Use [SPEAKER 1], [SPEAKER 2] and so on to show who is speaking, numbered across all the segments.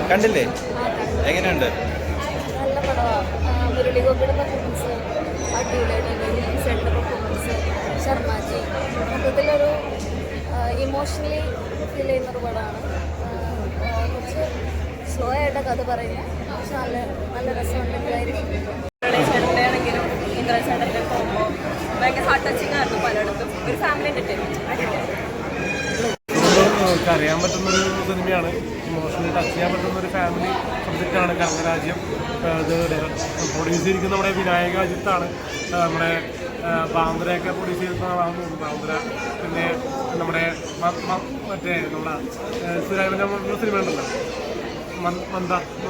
[SPEAKER 1] കണ്ടില്ലേ? എങ്ങനെയുണ്ട്?
[SPEAKER 2] നല്ല പടമാണ്. മുരളി ഗോപിയുടെ പെർഫോമൻസ് അടിപൊളിയായിട്ടുണ്ട്. സെൻ്റെ പെർഫോമൻസ്, ശർമാജി, മൊത്തത്തിലൊരു ഇമോഷണലി ഫീൽ ചെയ്യുന്നൊരു പടമാണ്. കുറച്ച് സ്ലോ ആയിട്ട് കഥ പറയുന്നത്, പക്ഷെ നല്ല നല്ല രസമുണ്ടെങ്കിലായിരിക്കും.
[SPEAKER 3] ചേട്ടൻ്റെയാണെങ്കിലും ഇന്ദ്രൻ ചേട്ടൻ്റെ പോകുമ്പോൾ ഭയങ്കര ഹാർട്ട് ടച്ചിങ് ആയിരുന്നു പലയിടത്തും. ഒരു ഫാമിലി എൻ്റർടൈൻമെൻറ്റ്
[SPEAKER 4] അറിയാൻ പറ്റുന്നൊരു സിനിമയാണ്. ഇമോഷണലി ടച്ച് ചെയ്യാൻ പറ്റുന്നൊരു ഫാമിലി സബ്ജക്റ്റാണ് കർമ്മരാജ്യം. ഇത് പ്രൊഡ്യൂസ് ചെയ്തിരിക്കുന്ന നമ്മുടെ വിനായക അജിത്താണ്. നമ്മുടെ ബാന്ദ്രയൊക്കെ പ്രൊഡ്യൂസ് ചെയ്തിരുന്നതാണെന്ന് തോന്നുന്നു. ബാന്ദ്ര, പിന്നെ നമ്മുടെ മറ്റേ നമ്മുടെ സുരാജിൻ്റെ സിനിമ ഉണ്ടല്ലോ, മന്ദ.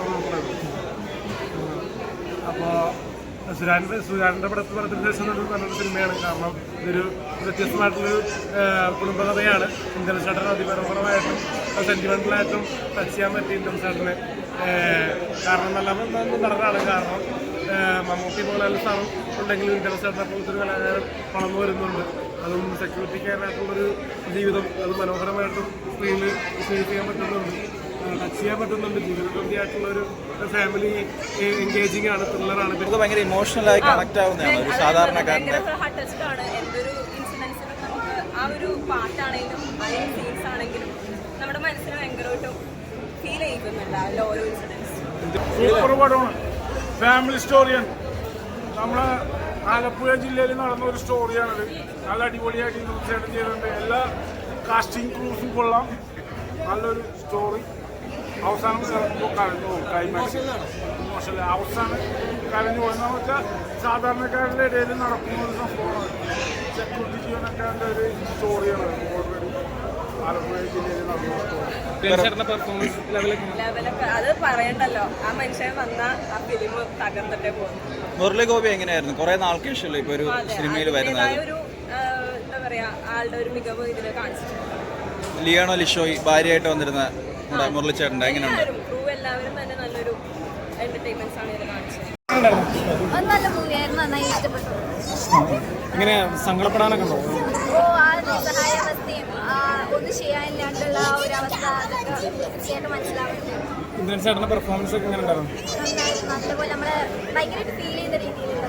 [SPEAKER 4] അപ്പോൾ സുരാജിൻ്റെ പടത്തിന് ശേഷം നല്ലൊരു സിനിമയാണ്. കാരണം ഇതൊരു വ്യത്യസ്തമായിട്ടുള്ളൊരു കുടുംബകഥയാണ്. ഇന്ദ്രൻ ചേട്ടൻ അതിപരപരമായിട്ടും സെൻറ്റിമെൻ്റലായിട്ടും ടച്ച് ചെയ്യാൻ പറ്റിയ ഇന്ദ്രൻ ചേട്ടന്. കാരണം നല്ല നടനാണ്. കാരണം മമ്മൂട്ടി പോലെയുള്ള സ്ഥലം ഉണ്ടെങ്കിലും ഇന്ദ്രൻ ചേട്ടനെ പോലത്തെ ഒരു കലാകാരൻ വളർന്നു വരുന്നുണ്ട്. അതും സെക്യൂരിറ്റിക്കാരനായിട്ടുള്ളൊരു ജീവിതം അത് മനോഹരമായിട്ടും സ്ക്രീനിൽ വിശ്വസിച്ച് ചെയ്യാൻ പറ്റുന്നുണ്ട്, ടച്ച് ചെയ്യാൻ പറ്റുന്നുണ്ട്. ജീവിതബന്ധിയായിട്ടുള്ളൊരു ഫാമിലി എൻഗേജിങ് ആണ്, ത്രില്ലറാണ്.
[SPEAKER 1] ഇത് ഭയങ്കര ഇമോഷണലായി കണക്ട് ആവുന്നതാണ് ഒരു സാധാരണക്കാരൻ്റെ.
[SPEAKER 3] ഹാർട്ട് ടച്ച്ഡ് ആണ്. എന്തൊരു ഇൻസിഡൻസിനും നമുക്ക് ആ ഒരു പാട്ടാണെങ്കിലും അതിന് സീൻസ് ആണെങ്കിലും നമ്മുടെ മനസ്സിന് ഭയങ്കരമായിട്ടും ഫീൽ ചെയ്യിക്കുന്നുണ്ട് അതിൽ ഓരോ ഇൻസിഡൻസ്.
[SPEAKER 4] സൂപ്പർ പടമാണ്, ഫാമിലി സ്റ്റോറിയാണ്. നമ്മളെ ആലപ്പുഴ ജില്ലയിൽ നടന്ന ഒരു സ്റ്റോറിയാണത്. നല്ല അടിപൊളിയായിട്ട് തീർച്ചയായിട്ടും ചെയ്തിട്ടുണ്ട്. എല്ലാ കാസ്റ്റിംഗ് ക്രൂസും കൊള്ളാം. നല്ലൊരു സ്റ്റോറി. അവസാനം കരഞ്ഞു പോകും. ക്ലൈമാക്സ് മോശമല്ല, അവസാനം കരഞ്ഞു പോകുന്ന വെച്ചാൽ സാധാരണക്കാരുടെ ഇടയിൽ നടക്കുന്ന ഒരു സംഭവമാണ്. സെക്യൂരിറ്റി ജീവനക്കാരൻ്റെ ഒരു സ്റ്റോറിയാണ് ഓൾറെഡി ആലപ്പുഴ ജില്ലയിൽ നടന്ന സ്റ്റോറി. പെർഫോമൻസ്
[SPEAKER 3] ലെവലൊക്കെ അത് പറയണ്ടല്ലോ. ആ മനുഷ്യൻ വന്ന ആ ഫിലിം തകർന്നിട്ടേ പോകും.
[SPEAKER 1] മുരളി ഗോപി എങ്ങനെയായിരുന്നു? കുറെ നാൾക്ക് ശേഷമല്ലോ ഇപ്പൊ ഒരു സിനിമയിൽ വരുന്നത്.
[SPEAKER 3] ഒരു എന്താ പറയാ, ആളുടെ ഒരു മികവ് ഇതിൽ കാണിച്ചിട്ടുണ്ട്.
[SPEAKER 1] ലിയാണോ ലിഷോയ് ഭാര്യയായിട്ട് വന്നിരുന്ന നമ്മുടെ മുരളിച്ചേട്ടൻ്റെ എങ്ങനെയുണ്ട്?
[SPEAKER 3] ക്രൂ എല്ലാവരും തന്നെ നല്ലൊരു എന്റർടൈൻമെന്റ്സ് ആണ് ഇതിൽ കാണിച്ചത്.
[SPEAKER 2] നല്ല മൂവിയായിരുന്നു, നന്നായി ഇഷ്ടപ്പെട്ടു.
[SPEAKER 4] ഇങ്ങനെ സങ്കടപ്പെടാനൊക്കെ ഉണ്ടോ?
[SPEAKER 2] ഓ, ആ നിസ്സഹായാവസ്ഥയും ഒന്നും ചെയ്യാനില്ലാണ്ടുള്ള ആ ഒരു അവസ്ഥ അതൊക്കെ തീർച്ചയായിട്ടും മനസ്സിലാവുന്നുണ്ട്.
[SPEAKER 4] ഇന്ദ്രൻ ചേട്ടൻ്റെ പെർഫോമൻസ് ഒക്കെ എങ്ങനെ ഉണ്ടായിരുന്നു?
[SPEAKER 2] നന്നായിരുന്നു, നല്ലപോലെ നമ്മളെ ഭയങ്കരമായിട്ട് ഫീൽ ചെയ്ത രീതിയിലുള്ള.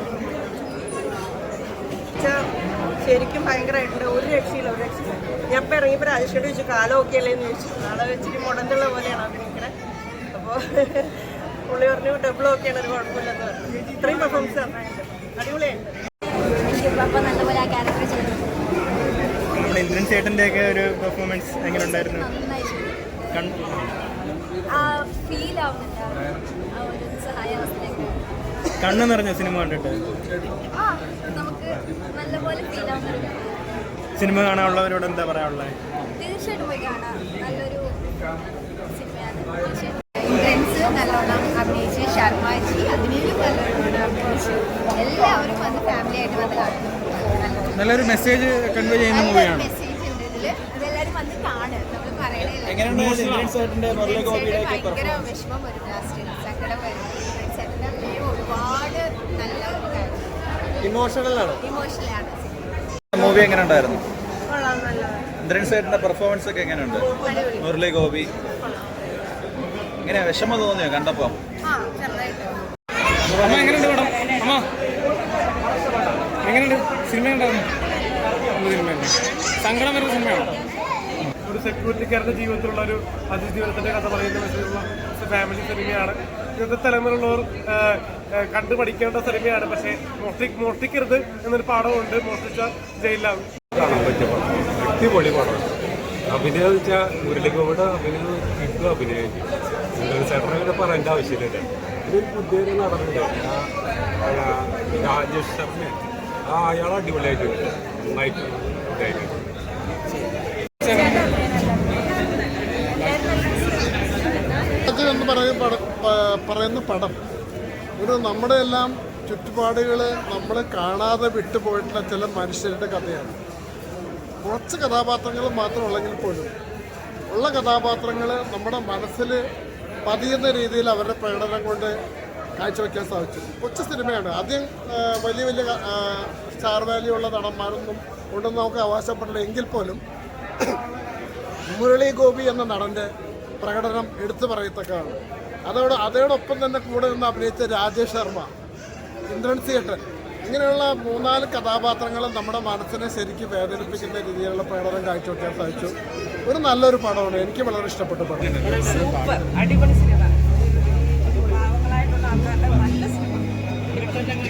[SPEAKER 5] ശരിക്കും ഭയങ്കരമായിട്ടുണ്ട്. ഒരു രക്ഷയില്ല, ഒരു രക്ഷയില്ല. ഞാൻ ഇപ്പം ഇറങ്ങിയപ്പോൾ രാജേഷോട് ചോദിച്ചു കാലമൊക്കെ അല്ലേന്ന് ചോദിച്ചു. നാളെ വെച്ചിട്ട് മുടന്തുള്ള പോലെയാണ് അഭിനയിക്കണേ. അപ്പോൾ പുള്ളി പറഞ്ഞു ഡബിളൊക്കെയാണ്, ഒരു കുഴപ്പമില്ലെന്ന് പറഞ്ഞു. ഇത്രയും പെർഫോമൻസ് നന്നായിട്ട് അടിപൊളിയായിട്ട്.
[SPEAKER 2] അപ്പോൾ നല്ലപോലെ ആ ക്യാരക്ടർ ചെയ്തു.
[SPEAKER 6] നമ്മുടെ ഇന്ദ്രൻ ചേട്ടൻ്റെയൊക്കെ ഒരു പെർഫോമൻസ് എങ്ങനെ ഉണ്ടായിരുന്നു?
[SPEAKER 2] നന്നായി ആ ഫീൽ ആവുന്നുണ്ട്, ആ ഒരു നിസ്സഹായാവസ്ഥയൊക്കെ.
[SPEAKER 6] കണ്ണ് നിറഞ്ഞ സിനിമ കണ്ടിട്ട്
[SPEAKER 2] ആ നമുക്ക് നല്ലപോലെ ഫീൽ ആവുന്നുണ്ട്.
[SPEAKER 6] സിനിമ കാണാനുള്ളവരോട് എന്താ പറയാനുള്ളത്?
[SPEAKER 2] തീർച്ചയായിട്ടും പോയി കാണാം, നല്ലൊരു സിനിമയാണ്. ഫ്രണ്ട്സ് നല്ലോണം അഭിനയിച്ച്, ശർമാജി അതിനും നല്ലോണം അഭിനയിച്ചു. എല്ലാവരും വന്ന് ഫാമിലി ആയിട്ട് വന്ന് കാണുന്നു.
[SPEAKER 6] നല്ലൊരു മെസ്സേജ് കൺവേ ചെയ്യുന്ന മൂവിയാണ്.
[SPEAKER 2] മെസ്സേജ് ഉണ്ട് ഇതിൽ, അതെല്ലാവരും വന്ന് കാണും. നമ്മൾ പറയണേ ഭയങ്കര വിഷമം വരും, ലാസ്റ്റ് സങ്കടം വരും. ചേട്ടൻ്റെ അഭിനയം ഒരുപാട് നല്ല
[SPEAKER 6] ഇമോഷണലാണ്.
[SPEAKER 2] ഇമോഷണലാണ്.
[SPEAKER 1] മൂവി എങ്ങനെ ഉണ്ടായിരുന്നു?
[SPEAKER 5] കൊള്ളാം, നല്ലതാണ്.
[SPEAKER 1] ഇന്ദ്രൻ ചേട്ടൻ്റെ പെർഫോമൻസ് ഒക്കെ എങ്ങനെയുണ്ട്? മുരളി ഗോപി എങ്ങനെയാ, വിഷമം തോന്നിയോ കണ്ടപ്പോൾ?
[SPEAKER 2] ആ ചെറുതായിട്ട്.
[SPEAKER 4] അമ്മ എങ്ങനെയുണ്ട് പടം? അമ്മ എങ്ങനെയുണ്ട്? സിനിമ ഉണ്ടായിരുന്നു, സിനിമയുണ്ട്. സങ്കടം വരുന്ന സിനിമയാണ്. ഒരു സെക്യൂരിറ്റിക്കാരുടെ ജീവിതത്തിലുള്ള ഒരു അതിജീവനത്തിൻ്റെ കഥ പറയുന്ന മെസ്സേജുള്ള ഫാമിലി സിനിമയാണ്. ഇന്നത്തെ തലമുറയുള്ളവർ കണ്ടു പഠിക്കേണ്ട സിനിമയാണ്. പക്ഷേ മോഷ്ടിക്കരുത് എന്നൊരു പാഠമുണ്ട്. മോഷ്ടിച്ച ജയിലിലാണ്.
[SPEAKER 7] കാണാൻ പറ്റിയ പടം, അടിപൊളി പടം. അഭിനയം വെച്ചാൽ മുരളിഗോപിയുടെ അഭിനയം കിട്ടും. അഭിനയം ചേട്ടനെ പറയേണ്ട ആവശ്യമില്ല. ഒരു പുതിയ നടനുണ്ട്, രാജേഷ് ശർമ്മ. അയാൾ അടിപൊളിയായിട്ടുണ്ട്, നന്നായിട്ട് ഇതായിട്ട്.
[SPEAKER 8] എന്ന് പറയുന്ന പടം ഒരു നമ്മുടെ എല്ലാം ചുറ്റുപാടുകൾ നമ്മൾ കാണാതെ വിട്ടുപോയിട്ടുള്ള ചില മനുഷ്യരുടെ കഥയാണ്. കുറച്ച് കഥാപാത്രങ്ങൾ മാത്രമുള്ളെങ്കിൽ പോലും ഉള്ള കഥാപാത്രങ്ങൾ നമ്മുടെ മനസ്സിൽ പതിയുന്ന രീതിയിൽ അവരുടെ പ്രകടനം കൊണ്ട് കാഴ്ചവെക്കാൻ സാധിച്ചു. കൊച്ചു സിനിമയാണ്. ആദ്യം വലിയ വലിയ സ്റ്റാർ വാല്യൂ ഉള്ള നടന്മാരൊന്നും ഉണ്ടെന്ന് നമുക്ക് അവകാശപ്പെടില്ല. എങ്കിൽ പോലും മുരളി ഗോപി എന്ന നടൻ്റെ പ്രകടനം എടുത്തു പറയത്തക്കതാണ്. അതോടൊപ്പം തന്നെ കൂടെ നിന്ന് അഭിനയിച്ച രാജേഷ് ശർമ്മ, ഇന്ദ്രൻസ് ഏട്ടൻ, ഇങ്ങനെയുള്ള 3-4 കഥാപാത്രങ്ങൾ നമ്മുടെ മനസ്സിനെ ശരിക്കും വേദനിപ്പിക്കുന്ന രീതിയിലുള്ള പ്രകടനം കാഴ്ചവെക്കാൻ സാധിച്ചു. ഒരു നല്ലൊരു പടമാണ്, എനിക്ക് വളരെ ഇഷ്ടപ്പെട്ട പടം.
[SPEAKER 5] സൂപ്പർ അടിപൊളി സിനിമ, പാവങ്ങളായിട്ടുള്ള ആൾക്കാരുടെ നല്ല സിനിമ.